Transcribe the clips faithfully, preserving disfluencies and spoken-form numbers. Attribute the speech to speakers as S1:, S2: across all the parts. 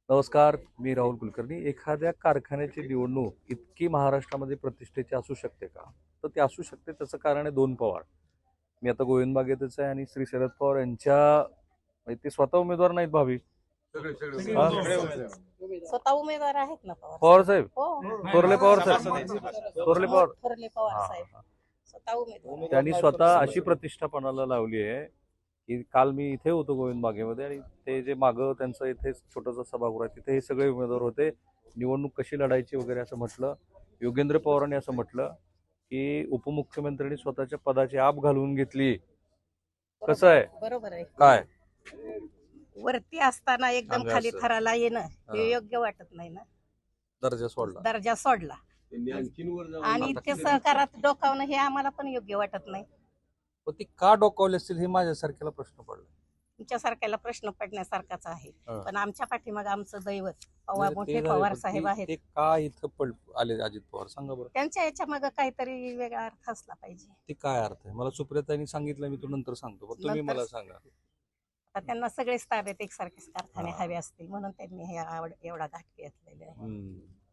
S1: नमस्कार, मी राहुल कुलकर्णी. एखाद्या कारखान्याची निवडणूक इतकी महाराष्ट्रामध्ये प्रतिष्ठेची असू शकते का? तर ते असू शकते. त्याचं कारण आहे दोन पवार. मी आता गोविंदबागेतच आहे आणि श्री शरद पवार यांच्या म्हणजे ते स्वतः उमेदवार नाहीत भावी. हा?
S2: स्वतः उमेदवार आहेत ना
S1: पवार साहेब,
S2: हो
S1: थोरले पवार साहेब, थोरले पवार.
S2: थोरले पवार
S1: हा,
S2: साहेब
S1: हा.
S2: स्वतः उमेदवार
S1: त्यांनी स्वतः अशी प्रतिष्ठा पणाला लावली आहे की काल मी इथे होतो गोविंदबागेमध्ये आणि ते जे मागं त्यांचं इथे छोटंसं सभागृह आहे तिथे हे सगळे उमेदवार होते. निवडणूक कशी लढायची वगैरे असं म्हटलं. योगेंद्र पवारांनी असं म्हटलं की उपमुख्यमंत्र्यांनी स्वतःच्या पदाची आप घालवून घेतली. कसं आहे?
S2: बरोबर आहे.
S1: काय
S2: वरती असताना एकदम
S1: सांगा
S2: खाली
S1: असं.
S2: थराला येणं
S1: हा.
S2: हे योग्य वाटत नाही ना.
S1: दर्जा सोडला?
S2: दर्जा सोडला आणि ते सहकारात डोकावणं हे आम्हाला पण योग्य वाटत नाही.
S1: पण ती का डोकावली असतील हे माझ्यासारख्याला प्रश्न पडला.
S2: तुमच्यासारख्याला प्रश्न पडण्यासारखाच आहे.
S1: हा.
S2: पण आमच्या पाठीमाग आमचं दैवत पवार
S1: म्हणजे
S2: मोठे
S1: ते झाले,
S2: पवार
S1: पण
S2: साहेब
S1: ते-
S2: आहेत.
S1: ते का इथं पड आले अजित पवार? सांगा बरं.
S2: त्यांच्या याच्या माग काहीतरी वेगळा अर्थ असला पाहिजे.
S1: ते काय अर्थ आहे? मला सुप्रियाताईंनी सांगितलं, मी तो नंतर सांगतो, पण तुम्ही
S2: नंतर-
S1: मला सांगा.
S2: आता त्यांना सगळेच ताब्यात एकसारखेच कारखाने
S1: हा.
S2: हवे असतील म्हणून त्यांनी हे आवड एवढा घाट घेतलेला आहे.
S1: हम्म.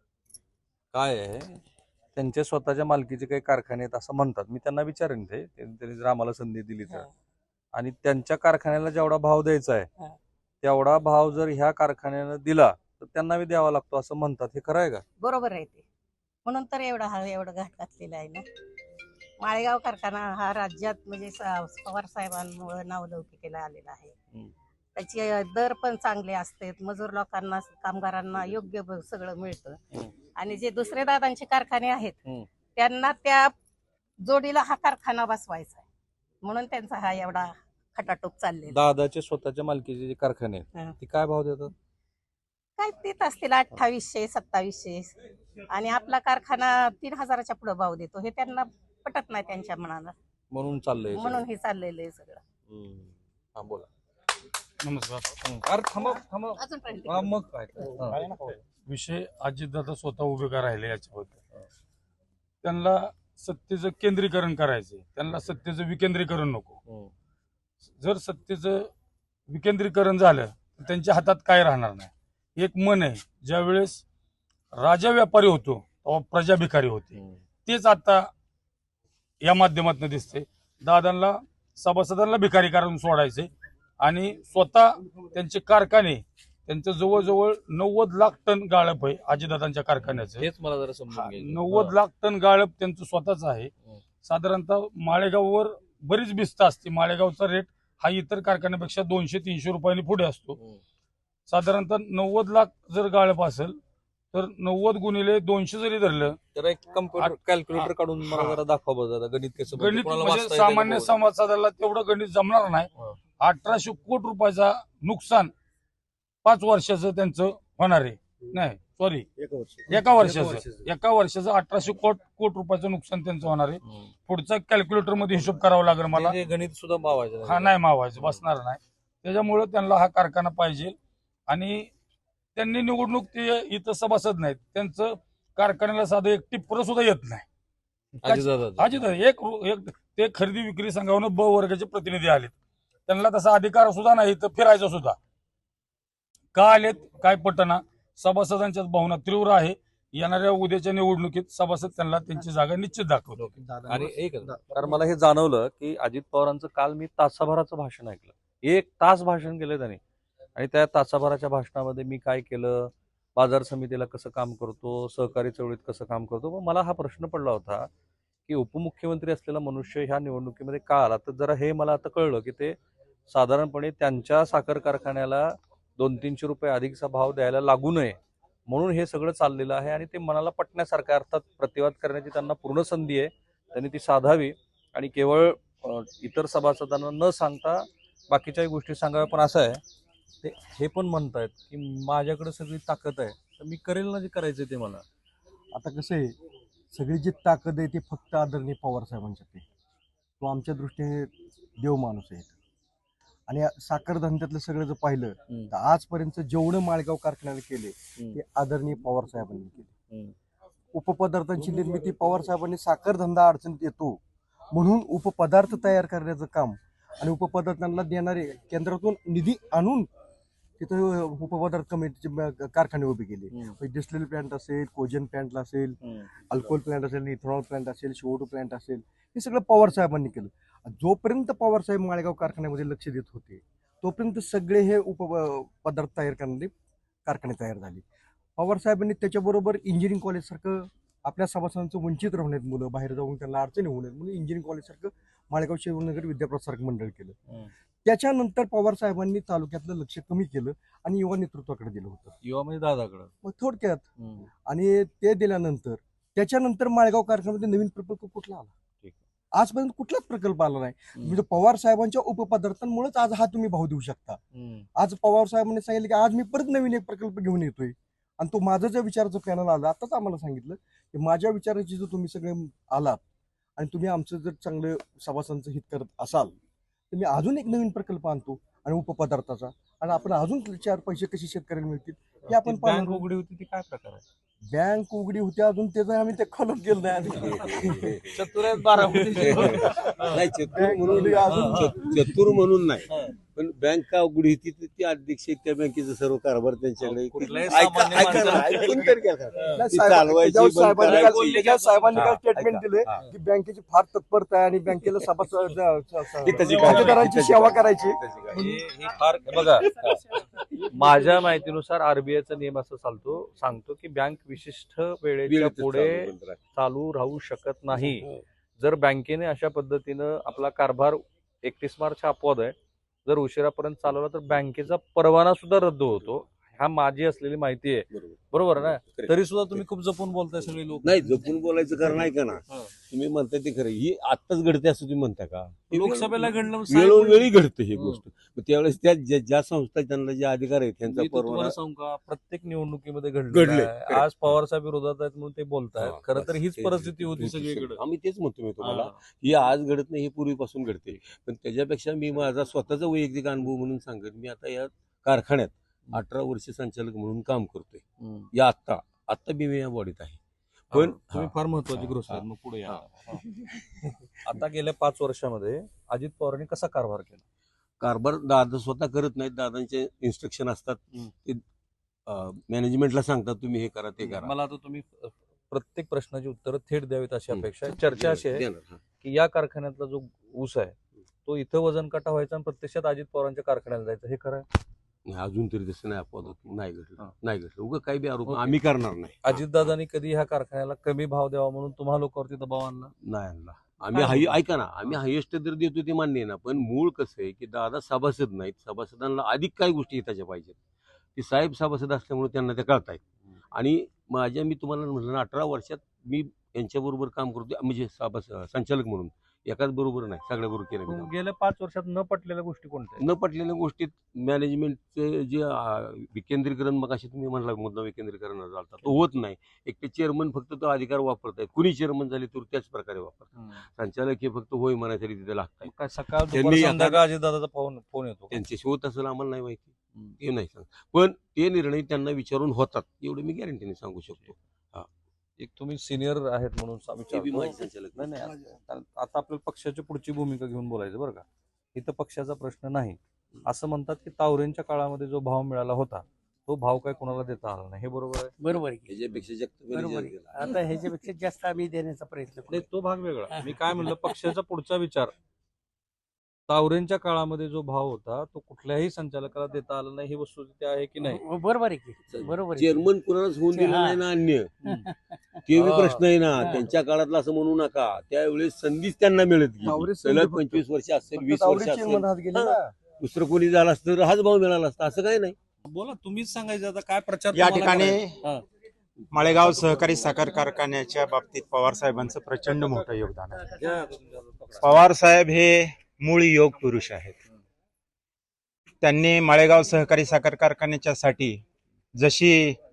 S1: काय आहे, त्यांच्या स्वतःच्या मालकीचे काही कारखाने आहेत असं म्हणतात. मी त्यांना विचारेन ते त्यांनी त्यांनी जर आम्हाला संधी दिली तर.
S2: हा.
S1: आणि त्यांच्या कारखान्याला जेवढा भाव द्यायचा आहे
S2: हा.
S1: तेवढा भाव जर ह्या कारखान्यानं दिला तर त्यांना बी द्यावा लागतो असं म्हणतात. हे खरं आहे का?
S2: बरोबर आहे ते. म्हणून तर एवढा हा एवढा घाट घातलेला आहे ना. माळेगाव कारखाना हा राज्यात म्हणजे स- पवार साहेबांमुळे नावलौकिकेला आलेला आहे.
S1: हम्म.
S2: त्याचे दर पण चांगले असतात. मजूर लोकांना कामगारांना योग्य ब- सगळं मिळतं.
S1: हम्म.
S2: आणि जे दुसरे दादांचे कारखाने आहेत
S1: हम्म.
S2: त्यांना त्या जोडीला हा कारखाना बसवायचा आहे म्हणून त्यांचा हा एवढा खटाटोप चाललेला.
S1: दादाचे स्वतःच्या मालकीचे जे कारखाने आहेत
S2: हा.
S1: ते काय भाव देतात?
S2: काय देत असतील अठ्ठावीसशे सत्तावीसशे आणि आपला कारखाना तीन हजाराच्या पुढे भाव देतो. हे त्यांना पटत नाही त्यांच्या मनाला.
S1: म्हणून चाललंय हे
S2: म्हणून
S1: सगळं.
S2: हे चाललेलं आहे सगळं.
S1: हम्म. हा, बोला.
S3: नमस्कार.
S1: हम्म. अरे थांबा थांबा.
S2: अजून पर्यंत
S1: हा, मग काय हा.
S3: विषय अजितदादा स्वतः उभे का राहिले याच्याबद्दल. त्यांना सत्तेचं केंद्रीकरण करायचंय, त्यांना सत्तेचं विकेंद्रीकरण नको.
S1: हम्म.
S3: जर सत्तेचं विकेंद्रीकरण झालं तर त्यांच्या हातात काय राहणार नाही. एक मन आहे, ज्या वेळेस राजा व्यापारी होतो तेव्हा प्रजा भिकारी होती.
S1: हम्म.
S3: तेच आता या माध्यमातून दिसते. दादांना सभासदांना भिकारी करून सोडायचे आणि स्वतः त्यांचे कारखाने, त्यांचं जवळजवळ नव्वद लाख टन गाळप आहे अजितदादांच्या कारखान्याचं.
S1: हेच मला जरा समजून घ्यायचं.
S3: नव्वद लाख टन गाळप त्यांचं स्वतःच आहे.
S1: हम्म.
S3: साधारणतः माळेगाववर बरीच भिस्त असते. माळेगावचा रेट हा इतर कारखान्यापेक्षा दोनशे तीनशे रुपयांनी पुढे असतो.
S1: हम्म.
S3: साधारणतः नव्वद लाख जर गाळप असेल तर नव्वद गुणिले दोनशे जरी धरलं,
S1: जरा एक कम्प्युटर कॅल्क्युलेटर काढून मला
S3: हा.
S1: जरा दाखवा बरं जरा गणित कसं म्हणजे
S3: गणित
S1: कोणाला
S3: म्हणजे
S1: वाचता येतं का
S3: सामान्य
S1: बघू.
S3: समाजाला तेवढं गणित जमणार नाही.
S1: हा.
S3: अठराशे कोटी रुपयाचा नुकसान पाच वर्षाचं त्यांचं होणार आहे. नाही सॉरी एका वर्षाचं एका वर्षाचं अठराशे कोट कोटी रुपयाचं नुकसान त्यांचं होणार आहे.
S1: हम्म.
S3: पुढचा कॅल्क्युलेटर मध्ये हिशोब करावा लागेल मला.
S1: ते गणित सुद्धा मावायचं
S3: हा नाही मावायचं बसणार नाही. त्याच्यामुळे त्यांना हा कारखाना पाहिजे. आणि त्यांनी निवडणूक ते इथं सभासद नाहीत, त्यांचं कारखान्याला साधं एक टिप्पर सुद्धा येत नाही.
S1: अजितदादा.
S3: अजित एक एक ते खरेदी विक्री संघावरून ब वर्गाचे प्रतिनिधी आलेत. त्यांना तसा अधिकार सुद्धा नाही तर फिरायचा सुद्धा. का आलेत काय पटना. सभासदांच्याच भावना तीव्र आहे. येणाऱ्या उद्याच्या निवडणुकीत सभासद त्यांना त्यांची जागा निश्चित दाखवतो.
S1: आणि एक कारण मला हे जाणवलं की अजित पवारांचं काल मी तासाभराचं भाषण ऐकलं. एक तास भाषण केलं त्यांनी आणि त्या तासाभराच्या भाषणामध्ये मी काय केलं, बाजार समितीला कसं काम करतो, सहकारी चळवळीत कसं काम करतो. मग मला हा प्रश्न पडला होता की उपमुख्यमंत्री असलेला मनुष्य ह्या निवडणुकीमध्ये का आला. तर जरा हे मला आता कळलं की ते साधारणपणे त्यांच्या साखर कारखान्याला दोन तीनशे रुपये अधिकचा भाव द्यायला लागू नये म्हणून हे सगळं चाललेलं आहे. आणि ते मनाला पटण्यासारखं, अर्थात प्रतिवाद करण्याची त्यांना पूर्ण संधी आहे, त्यांनी ती साधावी आणि केवळ अ, इतर सभासदांना न सांगता बाकीच्याही गोष्टी सांगाव्या. पण असं आहे ते हे पण म्हणतायत की माझ्याकडे सगळी ताकद आहे तर मी करेल ना जे करायचं ते मला.
S4: आता कसं आहे, सगळी जी ताकद आहे ती फक्त आदरणीय पवार साहेबांच्यात आहे. तो आमच्या दृष्टीने देव माणूस आहे. आणि या साखर धंद्यातलं सगळं जर पाहिलं
S1: हम्म.
S4: तर आजपर्यंत जेवढं माळगाव कारखान्याला केले
S1: हम्म.
S4: ते आदरणीय पवार साहेबांनी केले.
S1: हम्म.
S4: उपपदार्थांची निर्मिती पवार साहेबांनी, साखर धंदा अडचणीत येतो म्हणून उपपदार्थ तयार करण्याचं काम आणि उपपदार्थांना देणारे केंद्रातून निधी आणून तिथं उपपदार्थ कमिटीचे कारखाने उभे केले. डिस्टिलरी प्लांट असेल, कोजन प्लांट असेल, अल्कोहोल प्लांट असेल, इथेनॉल प्लांट असेल, सीओ टू प्लांट असेल, हे सगळं पवार साहेबांनी केलं. जोपर्यंत पवार साहेब माळेगाव कारखान्यामध्ये लक्ष देत होते तोपर्यंत सगळे हे उपपदार्थ तयार करणारे कारखाने तयार झाले. पवार साहेबांनी त्याच्याबरोबर इंजिनिअरिंग कॉलेजसारखं आपल्या सभासदांचं वंचित राहू नयेत, मुलं बाहेर जाऊन त्यांना अडचणी होऊ नयेत म्हणून इंजिनिअरिंग कॉलेजसारखं माळेगाव शिवनगर विद्याप्रसारक मंडळ केलं. त्याच्यानंतर पवार साहेबांनी तालुक्यातलं लक्ष कमी केलं आणि युवा नेतृत्वाकडे दिलं होतं,
S1: युवा म्हणजे दादाकडं.
S4: मग थोडक्यात. आणि ते दिल्यानंतर त्याच्यानंतर माळेगाव कारखान्यामध्ये नवीन प्रकल्प कुठला आला? आजपर्यंत कुठलाच प्रकल्प आला नाही. म्हणजे पवार साहेबांच्या उपपदार्थांमुळेच आज हा तुम्ही भाव देऊ शकता. आज पवार साहेबांनी सांगितलं की आज मी परत नवीन एक प्रकल्प घेऊन येतोय आणि तो माझं ज्या विचाराचं पॅनल आलं आताच आम्हाला सांगितलं की माझ्या विचाराची जर तुम्ही सगळे आलात आणि तुम्ही आमचं जर चांगलं सभासदांचं हित करत असाल तर मी अजून एक नवीन प्रकल्प आणतो आणि उपपदार्थाचा, आणि आपण अजून चार पैसे कसे शेतकऱ्याला मिळतील हे आपण
S1: बँक उघडी होती ती काय प्रकार आहे?
S4: बँक उघडी होती अजून त्याचं आम्ही ते खोलत गेलो नाही.
S1: चतुर आहेत बारामती.
S5: नाही चतुर म्हणून अजून चतुर म्हणून नाही, पण बँक का उघडी होती तर ती अध्यक्ष त्या बँकेचा सर्व कारभार त्यांच्याकडे.
S1: कुठल्याही
S5: ऐका-
S1: सामान्य
S5: ऐका ना,
S1: माणसाला-
S5: ऐकून तर घ्या.
S4: नाही,
S5: ती
S4: साहेब-
S5: चालवायची,
S4: त्याच्यावर
S5: बंद
S4: साहेबांनी
S5: करायची.
S4: काल- त्याच्यावर साहेबांनी काल
S5: हा,
S4: स्टेटमेंट
S5: ऐका.
S4: दिले
S5: हा.
S4: की बँकेची फार तत्परता आहे आणि बँकेला सभासद
S5: हिताची काळजी-
S4: खातेदारांची
S5: हिताची
S4: सेवा
S5: काळजी-
S4: करायची.
S5: हिताची काळजी.
S1: ही ही फार बघा, माझ्या माहितीनुसार आरबीआयचा नियम असं चालतो सांगतो की बँक विशिष्ट वेळेच्या
S5: वेळेतच
S1: पुढे
S5: चालू बंद राहते.
S1: चालू राहू शकत नाही.
S5: हो.
S1: जर बँकेने अशा पद्धतीनं आपला कारभार एकतीस मार्च हा अपवाद आहे, जर उशिरापर्यंत चालवला तर बँकेचा परवाना सुद्धा रद्द होतो. हा माझी असलेली माहिती आहे,
S5: बरोबर.
S1: बरोबर ना?
S5: Correct.
S1: तरी सुद्धा तुम्ही खूप जपून बोलताय सगळे लोक.
S5: नाही जपून बोलायचं कारण नाही का ना,
S1: हा.
S5: तुम्ही म्हणताय ते खरं. ही आत्ताच घडते असं तुम्ही म्हणता का?
S1: लोकसभेला घडलं
S5: वेळोवेळी घडते ही
S1: हं.
S5: गोष्ट. मग त्यावेळेस त्या ज्या ज्या संस्था त्यांना जे अधिकार आहेत त्यांचा
S1: मी तर
S5: परवाना
S1: तुम्हाला सांगू का, प्रत्येक निवडणुकीमध्ये घडलं
S5: घडले.
S1: आज पवार साहेब विरोधात आहेत म्हणून ते बोलतायत.
S5: हा,
S1: खरं तर
S5: बस.
S1: हीच
S5: ते-
S1: परिस्थिती होती
S5: ते-
S1: सगळीकडे.
S5: आम्ही तेच म्हणतो मी तुम्हाला.
S1: हा.
S5: ही आज घडत नाही, ही पूर्वीपासून घडते. पण त्याच्यापेक्षा मी माझा स्वतःचा वैयक्तिक अनुभव म्हणून सांगेन, मी आता या कारखान्यात अठरा वर्ष संचालक म्हणून काम करतोय.
S1: हम्म.
S5: या आत्ता आत्ता मी या बॉडीत आहे. पण
S1: तुम्ही
S5: हा.
S1: फार महत्वाची
S5: हा.
S1: गोष्ट आहे. मग पुढे या.
S5: हा.
S1: आता गेल्या पाच वर्षामध्ये अजित पवारांनी कसा कारभार केला?
S5: कारभार दादा स्वतः करत नाहीत, दादांचे इन्स्ट्रक्शन असतात.
S1: हम्म.
S5: ते मॅनेजमेंटला सांगतात तुम्ही हे करा ते करा.
S1: मला आता तुम्ही अ, प्रत्येक प्रश्नाची उत्तरं थेट द्यावीत अशी
S5: हम्म.
S1: अपेक्षा आहे. चर्चा अशी आहे
S5: देणार, हा.
S1: की या कारखान्यातला जो ऊस आहे तो इथं वजन काटा व्हायचा आणि प्रत्यक्षात अजित पवारांच्या कारखान्याला जायचं, हे खरं आहे?
S5: नाही, अजून तरी तसं नाही अपवाद होत. नाही घडलं
S1: हा.
S5: नाही घडलं उगा काही बी आरोप
S1: ओके.
S5: आम्ही करणार नाही.
S1: अजितदादांनी कधी ह्या कारखान्याला कमी भाव द्यावा म्हणून तुम्हा लोकांवरती दबाव आणला?
S5: नाही आणला आम्ही.
S1: काय
S5: हाय
S1: म्हणतो?
S5: ऐका ना, आम्ही हायेस्ट दर देतो ते मान्य आहे ना, पण मूळ कसं आहे की दादा सभासद नाहीत, सभासदांना अधिक काही गोष्टी येताच्या पाहिजेत. ते साहेब सभासद असल्यामुळे त्यांना त्या कळतायत. आणि माझ्या मी तुम्हाला म्हटलं ना, अठरा वर्षात मी यांच्याबरोबर काम करतो म्हणजे सभासद संचालक म्हणून. एकाच बरोबर नाही, सगळ्या बरोबर केलं मी काम.
S1: गेल्या पाच वर्षात न पटलेल्या गोष्टी कोणत्या आहेत?
S5: न पटलेल्या गोष्टीत मॅनेजमेंटचे जे अं, विकेंद्रीकरण, मग अशी तुम्ही म्हणला मुद्दा विकेंद्रीकरण झाला तो होत नाही. एक ते चेअरमन फक्त तो अधिकार वापरतायत. कुणी चेअरमन झाले तर त्याच प्रकारे वापरतात.
S1: हम्म.
S5: संचालक हे फक्त होय म्हणायसाठी तिथे लागतात.
S1: मग काय सकाळ
S5: त्यांनी
S1: दुपार
S5: आता-
S1: संध्याकाळ अजितदादाचा फोन फोन येतो का?
S5: त्यांचे होत असेल आम्हाला नाही माहिती,
S1: हम्म.
S5: ते नाही सांग. पण ते निर्णय त्यांना विचारून होतात एवढे मी गॅरंटीने सांगू शकतो.
S1: एक तुम्ही सिनियर आहेत म्हणून सा-
S5: ते बी माहिती
S1: विचारतो.
S5: संचालक
S1: नाही नाही कारण आता आपल्याला पक्षाची पुढची भूमिका घेऊन बोलायचं बरं का. इथं पक्षाचा प्रश्न नाही. असं म्हणतात की तावरेंच्या काळामध्ये जो भाव मिळाला होता तो भाव काय कोणाला देता आला नाही, हे बरोबर आहे?
S6: बरोबर आहे की.
S5: त्याच्यापेक्षा जास्त
S6: बरोबर आहे. आता ह्याच्यापेक्षा जास्त आम्ही देण्याचा प्रयत्न
S1: नाही,
S6: करू.
S1: तो भाग वेगळा. मी काय म्हणलं, पक्षाचा पुढचा विचार. तावरेंच्या काळामध्ये जो भाव होता तो कुठल्याही संचालकाला देता आला नाही, ही वस्तुस्थिती आहे की नाही?
S6: हो, बरोबर आहे की. बरोबर आहे की.
S5: चेअरमन कुणालाच होऊन दिलं
S6: हा.
S5: नाही ना अन्य.
S6: हम्म.
S5: ते बी
S1: हा.
S5: प्रश्न आहे ना,
S6: हा.
S5: त्यांच्या काळातलं असं म्हणू नका. त्यावेळेस संधीच त्यांना मिळत गेली.
S4: तावरे संधी
S5: सलग
S4: फक्त.
S5: पंचवीस वर्ष असेल,
S4: फक्त
S5: वीस
S4: तावरे
S5: वर्ष असेल,
S4: चेअरमन हात गेले ना.
S5: दुसरं कोणी झालं असतं तर हाच भाव मिळाला असता, असं काही नाही.
S1: बोला, तुम्हीच सांगायचं आता काय प्रचार
S7: या
S1: तुम्हाला
S7: ठिकाणी
S1: करायचा? हा.
S7: माळेगाव सहकारी साखर कारखान्याच्या बाबतीत पवार साहेबांचं प्रचंड मोठं योगदान आहे.
S1: घ्या तुमच्या पकडा.
S7: पवार साहेब हे मूळ योग पुरुष आहेत. त्यांनी माळेगाव सहकारी साखर कारखान्याच्या साठी जशी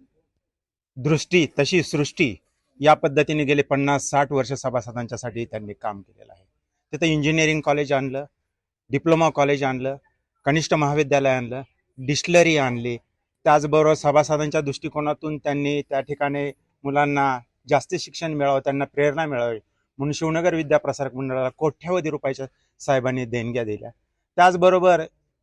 S7: दृष्टी तशी सृष्टी या पद्धतीने गेले पन्नास साठ वर्ष सभासदांच्या साठी त्यांनी काम केलेलं आहे. तिथं इंजिनिअरिंग कॉलेज आणलं, डिप्लोमा कॉलेज आणलं, कनिष्ठ महाविद्यालय आणलं, डिस्टिलरी आणली. त्याचबरोबर सभासदांच्या दृष्टिकोनातून त्यांनी त्या ठिकाणी मुलांना जास्त शिक्षण मिळावं, त्यांना प्रेरणा मिळावी म्हणून शिवनगर विद्याप्रसारक मंडळाला कोट्यावधी रुपयाच्या साहेबांनी देणग्या दिल्या. त्याचबरोबर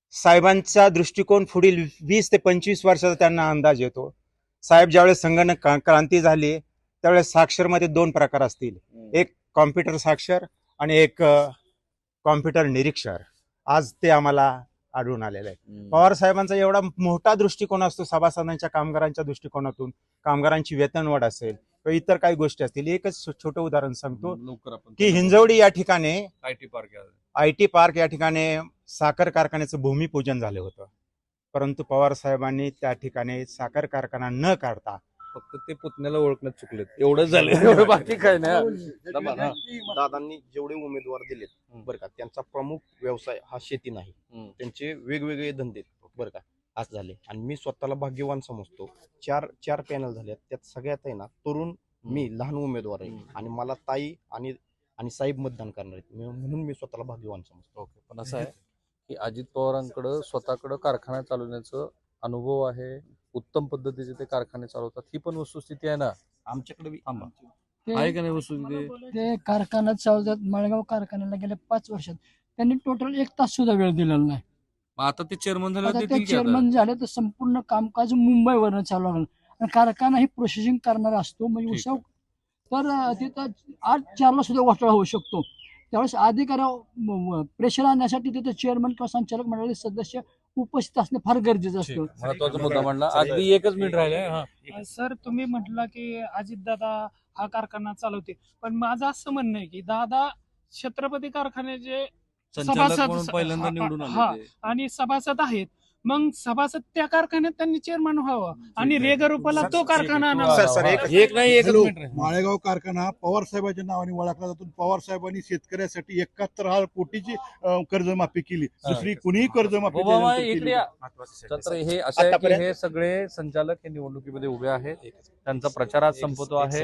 S7: साहेबांचा दृष्टिकोन पुढील वीस ते पंचवीस वर्षाचा त्यांना अंदाज येतो. साहेब ज्यावेळेस संगणक क्रा- क्रांती झाली त्यावेळेस साक्षरमध्ये दोन प्रकार असतील, एक कॉम्प्युटर साक्षर आणि एक कॉम्प्युटर निरीक्षर. आज ते आम्हाला आढळून आलेलं आहे. पवार साहेबांचा एवढा मोठा दृष्टिकोन असतो सभासदांच्या कामगारांच्या दृष्टिकोनातून, कामगारांची वेतनवाढ असेल किंवा इतर काही गोष्टी असतील. एकच छोटं उदाहरण सांगतो
S1: लवकर आपण
S7: की हिंजवडी या ठिकाणी
S1: आय टी पार्क आहे.
S7: आय टी पार्क या ठिकाणी साखर कारखान्याचं भूमिपूजन झालं होतं, परंतु पवार साहेबांनी त्या ठिकाणी साखर कारखाना न काढता
S1: फक्त ते पुतण्याला ओळखण्यात चुकलेत, एवढंच झालं. एवढं बाकी काय नाही. दबा, हा.
S8: दादांनी जेवढे उमेदवार दिलेत
S1: हम्म.
S8: बरं का, त्यांचा प्रमुख व्यवसाय हा शेती नाही.
S1: हम्म.
S8: त्यांचे वेगवेगळे धंदे आहेत, बरं का, असं झाले. आणि मी स्वतःला भाग्यवान समजतो. चार चार पॅनल झाले, त्यात सगळ्यात आहे ना तरुण, मी लहान उमेदवार आहे आणि मला ताई आणि आणि साहेब मतदान करणार आहेत, मी- म्हणून मी स्वतःला भाग्यवान समजतो.
S1: ओके, पण असं आहे की अजित पवारांकडं स्वतःकडं कारखाना चालवण्याचं अनुभव आहे, उत्तम पद्धतीचे ते कारखाने चालवतात. ही पण वस्तुस्थिती आहे ना.
S8: आमच्याकडे बी-
S1: थांबा.
S9: ते-
S1: आहे का नाही वस्तुस्थिती?
S9: ते कारखान्यात चालवतात. मळगाव कारखान्याला गेल्या पाच वर्षात त्यांनी टोटल एक तास सुद्धा वेळ दिलेला नाही.
S1: मग आता ते चेअरमन झाले
S9: आता
S1: देतील
S9: ते
S1: की आता?
S9: चेअरमन झाले तर संपूर्ण कामकाज मुंबईवरनं चालू लागलं आणि कारखाना ही प्रोसेसिंग करणारा असतो. म्हणजे
S1: ठीक
S9: उसाव तर अं, तिथं आठ चारला सुद्धा घोटाळा होऊ शकतो. त्यावेळेस अधिकाऱ्या प्रेशर आणण्यासाठी तिथे चेअरमन किंवा संचालक मंडळाचे सदस्य उपस्थित असणे फार गरजेचं
S1: ठीक.
S9: असतं.
S1: महत्वाचा मुद्दा म्हणला. अगदी एकच मिनिट राहिले. हा.
S10: सर, तुम्ही म्हटला की अजितदादा हा कारखाना चालवते, पण माझं असं म्हणणं आहे की दादा छत्रपती कारखान्याचे
S1: संचालक
S10: सभासद-
S1: म्हणून पहिल्यांदा निवडून
S10: हा,
S1: आले ते.
S10: आणि सभासद आहेत. मग सभासद त्या कारखान्यात त्यांनी चेअरमन व्हावं आणि रेगरुपाला तो कारखाना आणावा.
S7: सर, सर, एक-
S1: एक नाही एकच
S11: हॅलो,
S1: मिनिट राहिले.
S11: माळेगाव कारखाना पवार साहेबांच्या नावाने ओळखला जातो. पवार साहेबांनी शेतकऱ्यासाठी एकाहत्तर हजार कोटीची अं, कर्जमाफी केली. दुसरी कुणीही कर्जमाफी
S1: बाबा,
S11: त्यानंतर
S1: इकडे
S11: केली
S1: या.
S7: महत्वाचं
S1: तर हे असं आहे की
S7: आतापर्यंत-
S1: हे सगळे संचालक हे निवडणुकीमध्ये उभे आहेत. त्यांचा प्रचार आज संपतो आहे.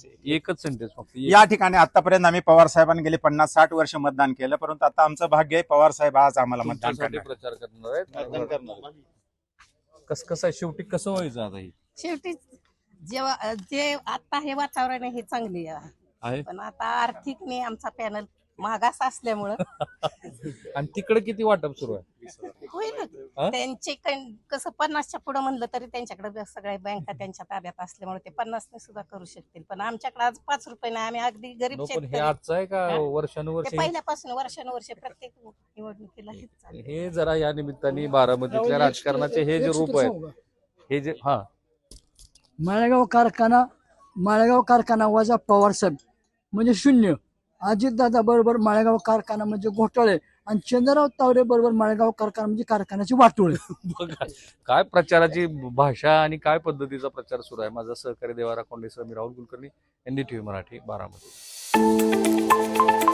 S1: एकच सेंटेन्स फक्त एक.
S7: या ठिकाणी आतापर्यंत आम्ही पवार साहेबांनी गेले पन्नास साठ वर्ष मतदान केलं, परंतु आता आमचं भाग्य आहे पवार साहेब आज आम्हाला मतदान
S1: तुमच्यासाठी
S7: करणार.
S1: प्रचार करणार आहेत.
S8: मतदान करणार.
S1: कस कसं आहे शेवटी कसं व्हायचं आता हे
S2: शेवटी जेव्हा जे आता हे वातावरण आहे हे चांगले आहे,
S1: आहे
S2: पण आता आर्थिक नाही आमचा पॅनल मागास असल्यामुळं
S1: आणि तिकडे किती वाटप सुरू आहे?
S2: होईल.
S1: हा?
S2: त्यांचे कण- कसं पन्नासच्या पुढे म्हणलं तरी त्यांच्याकडे सगळ्या बँका त्यांच्या ताब्यात असल्यामुळे ते पन्नासने सुद्धा करू शकतील. पण आमच्याकडे आज पाच रुपये नाही, आम्ही अगदी गरीब
S1: नो, पण हे
S2: शेतकरी.
S1: आजचं आहे का
S2: हा?
S1: वर्षानुवर्ष?
S2: ते पहिल्यापासून वर्षानुवर्ष प्रत्येक निवडणुकीला हेच चालू आहे.
S1: हे जरा या निमित्ताने बारामतीतल्या राजकारणाचे हे जे रूप आहे, हे जे हा
S9: माळेगाव कारखाना माळेगाव कारखाना वजा पवार साहेब म्हणजे शून्य. अजितदादा बरोबर माळेगाव कारखाना म्हणजे घोटाळे आणि चंद्रराव तावरे बरोबर माळेगाव कारखाना म्हणजे कारखान्याची वाटोळे.
S1: बघा काय प्रचाराची भाषा आणि काय पद्धतीचा प्रचार सुरू आहे. माझा सहकारी देवारा कोंडेसह मी Rahul Kulkarni, N D T V Marathi, Baramati.